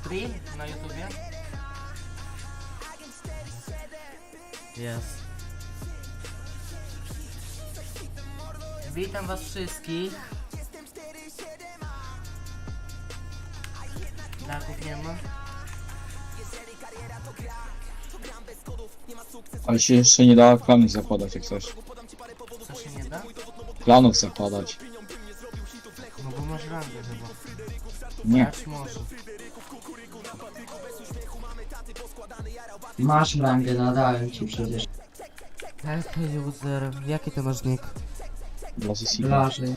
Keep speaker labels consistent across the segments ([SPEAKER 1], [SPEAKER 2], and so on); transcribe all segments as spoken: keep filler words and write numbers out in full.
[SPEAKER 1] stream na YouTubie? Jest. Witam was wszystkich. Daków nie ma.
[SPEAKER 2] Ale się jeszcze nie da klanów zakładać jak coś.
[SPEAKER 1] Co się nie da?
[SPEAKER 2] Klanów zakładać.
[SPEAKER 1] No bo masz rangę chyba.
[SPEAKER 2] Nie.
[SPEAKER 1] Grać może.
[SPEAKER 3] Masz rangę, nadałem ci przecież.
[SPEAKER 1] Okej, user. Jaki to masz nick?
[SPEAKER 2] Dla Zesika.
[SPEAKER 3] Blaży.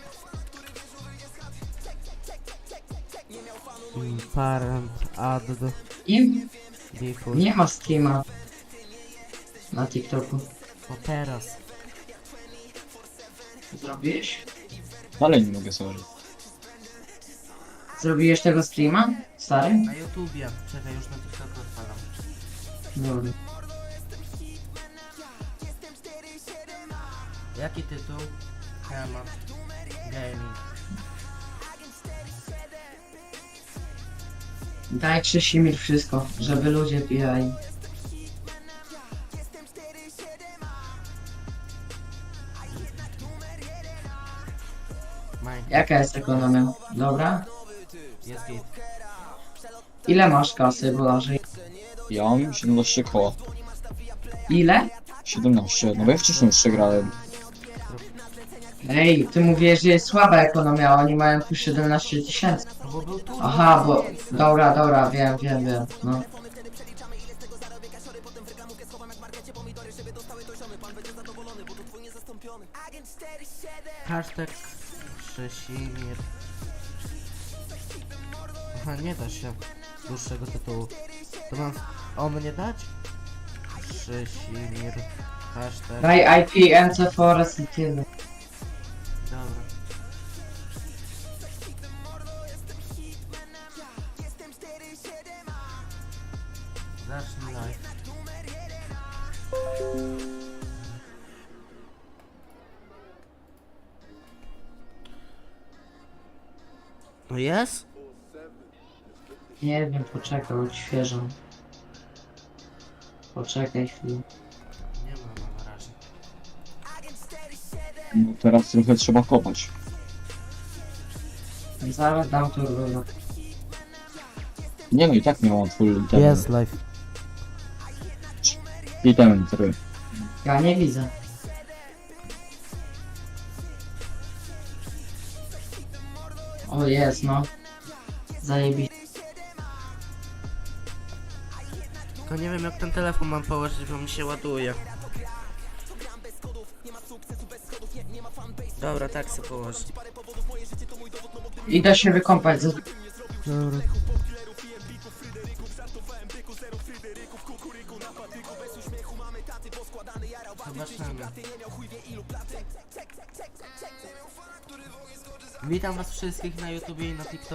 [SPEAKER 1] Mm, Parent, add,
[SPEAKER 3] I
[SPEAKER 1] default.
[SPEAKER 3] nie ma streama na TikToku.
[SPEAKER 1] O teraz.
[SPEAKER 3] Zrobiłeś?
[SPEAKER 2] Dalej nie mogę sorry.
[SPEAKER 3] Zrobiłeś tego streama? Stary?
[SPEAKER 1] Na YouTubie. Czekaj, już na TikToku odpalam.
[SPEAKER 3] Dobra.
[SPEAKER 1] Jaki tytuł? Temat. Gaming.
[SPEAKER 3] Daj Krzysimir wszystko, żeby ludzie pijali.
[SPEAKER 1] Minecraft.
[SPEAKER 3] Jaka jest ekonomia? Dobra?
[SPEAKER 1] Jest git.
[SPEAKER 3] Ile masz kasy, Blaży?
[SPEAKER 2] Ja mam siedemnaście koła.
[SPEAKER 3] Ile?
[SPEAKER 2] siedemnaście, no bo ja wcześniej jeszcze grałem.
[SPEAKER 3] Ej, ty mówisz, że jest słaba ekonomia, a oni mają tu siedemnaście tysięcy.
[SPEAKER 1] No bo był tu.
[SPEAKER 3] Aha, bo... Dobra, dobra, wiem, wiem, wiem, no.
[SPEAKER 1] Hashtag Krzysimir. Aha, nie da się dłuższego tytułu. To mam o mnie dać? Krzysimir. Hashtag.
[SPEAKER 3] Daj I P, M C Forest i tyle.
[SPEAKER 1] Dobra. Zacznij live. No jest?
[SPEAKER 3] Nie wiem, poczekaj, odświeżam. Poczekaj chwilę.
[SPEAKER 1] Nie ma na razie.
[SPEAKER 2] No teraz trochę trzeba kopać.
[SPEAKER 3] Zaraz dam to równo.
[SPEAKER 2] Nie no i tak miałam full item.
[SPEAKER 1] Jest live.
[SPEAKER 2] Item, który.
[SPEAKER 3] Ja nie widzę. O, jest, no. Zajebiście.
[SPEAKER 1] Tylko nie wiem jak ten telefon mam położyć, bo mi się ładuje. Dobra, tak sobie położę.
[SPEAKER 3] Idę się wykąpać. ze-
[SPEAKER 1] Dobra. Zobaczymy. Witam was wszystkich na YouTubie i na TikToku.